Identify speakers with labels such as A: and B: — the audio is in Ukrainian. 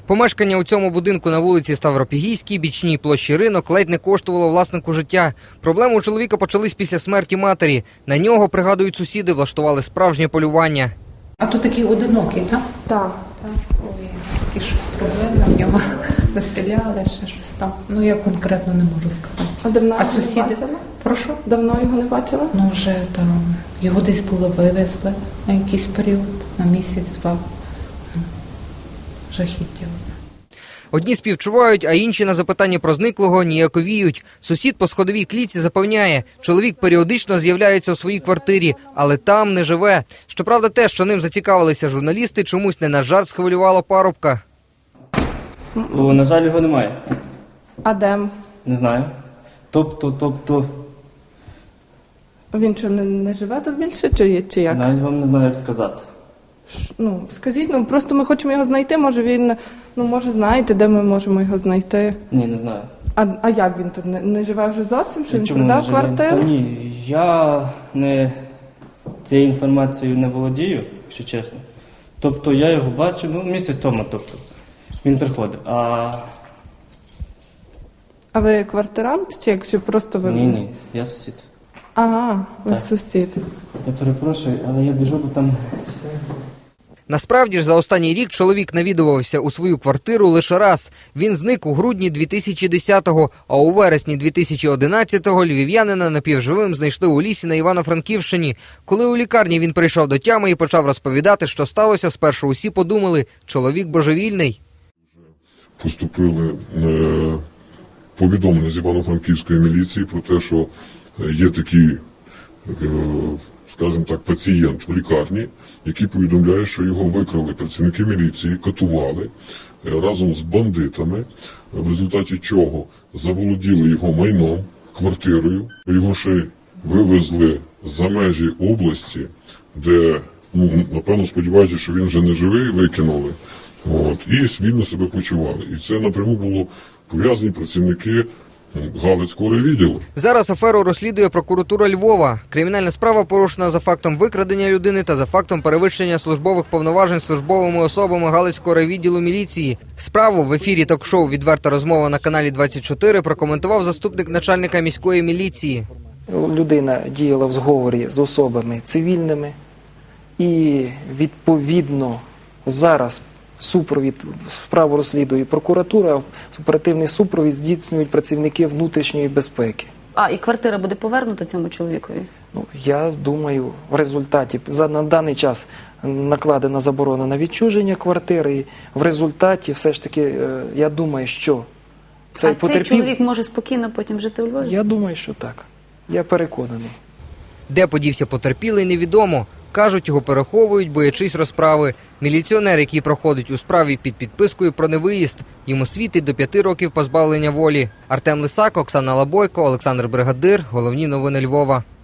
A: Помешкання у цьому будинку на вулиці Ставропігійській, бічній площі Ринок, ледь не коштувало власнику життя. Проблеми у чоловіка почались після смерті матері. На нього, пригадують сусіди, влаштували справжнє полювання.
B: А то такий одинокий, так?
C: Так.
B: Ой, такі щось проблеми в нього виселяли, ще щось там. Ну, я конкретно не можу сказати.
C: А давно його
B: сусіди?
C: не бачила?
B: Прошу?
C: Давно його не бачила?
B: Ну, вже там, його десь було вивезли на якийсь період, на місяць-два. Жахіття.
A: Одні співчувають, а інші на запитання про зниклого ніяковіють. Сусід по сходовій клітці запевняє, чоловік періодично з'являється у своїй квартирі, але там не живе. Щоправда, те, що ним зацікавилися журналісти, чомусь не на жарт схвилювало парубка.
D: На жаль, його немає.
C: А де?
D: Не знаю. Тобто,
C: Він що, не живе тут більше, чи як?
D: навіть вам не знаю, як сказати.
C: Ну, скажіть, просто ми хочемо його знайти, може він, може знаєте, де ми можемо його знайти?
D: Ні, не знаю.
C: А як він тут, не живе вже зовсім, що він
D: Чому
C: продав
D: не живе?
C: квартиру?
D: Та ні, я цією інформацією не володію, якщо чесно. Тобто я його бачив, місяць тому, він приходив.
C: А ви квартирант, чи якщо просто ви?
D: Ні, я сусід.
C: Ага, ви
D: Так.
C: сусід.
D: Я перепрошую, але я біжу, бо там...
A: Насправді ж, за останній рік чоловік навідувався у свою квартиру лише раз. Він зник у грудні 2010-го, а у вересні 2011-го львів'янина напівживим знайшли у лісі на Івано-Франківщині. Коли у лікарні він прийшов до тями і почав розповідати, що сталося, спершу усі подумали – чоловік божевільний.
E: Поступили повідомлення з Івано-Франківської міліції про те, що є такий, скажімо так, пацієнт в лікарні, який повідомляє, що його викрали працівники міліції, катували разом з бандитами, в результаті чого заволоділи його майном, квартирою. Його ще вивезли за межі області, де, напевно, сподіваються, що він вже не живий, викинули. І вільно себе почували. І це напряму було пов'язані працівники Галицького райвідділу.
A: Зараз аферу розслідує прокуратура Львова. Кримінальна справа порушена за фактом викрадення людини та за фактом перевищення службових повноважень службовими особами Галицького райвідділу міліції. Справу в ефірі ток-шоу «Відверта розмова» на каналі 24 прокоментував заступник начальника міської міліції.
F: Людина діяла в зговорі з особами цивільними і, відповідно, зараз супровід справу розслідує прокуратура, оперативний супровід здійснюють працівники внутрішньої безпеки.
G: І квартира буде повернута цьому чоловікові?
F: Я думаю, в результаті, на даний час накладена заборона на відчуження квартири, і в результаті все ж таки, я думаю, що цей потерпілий...
G: цей чоловік може спокійно потім жити у Львові?
F: Я думаю, що так. Я переконаний.
A: Де подівся потерпілий, невідомо. Кажуть, його переховують, боячись розправи. Міліціонер, який проходить у справі під підпискою про невиїзд, йому світить до 5 років позбавлення волі. Артем Лисак, Оксана Лабойко, Олександр Бригадир. Головні новини Львова.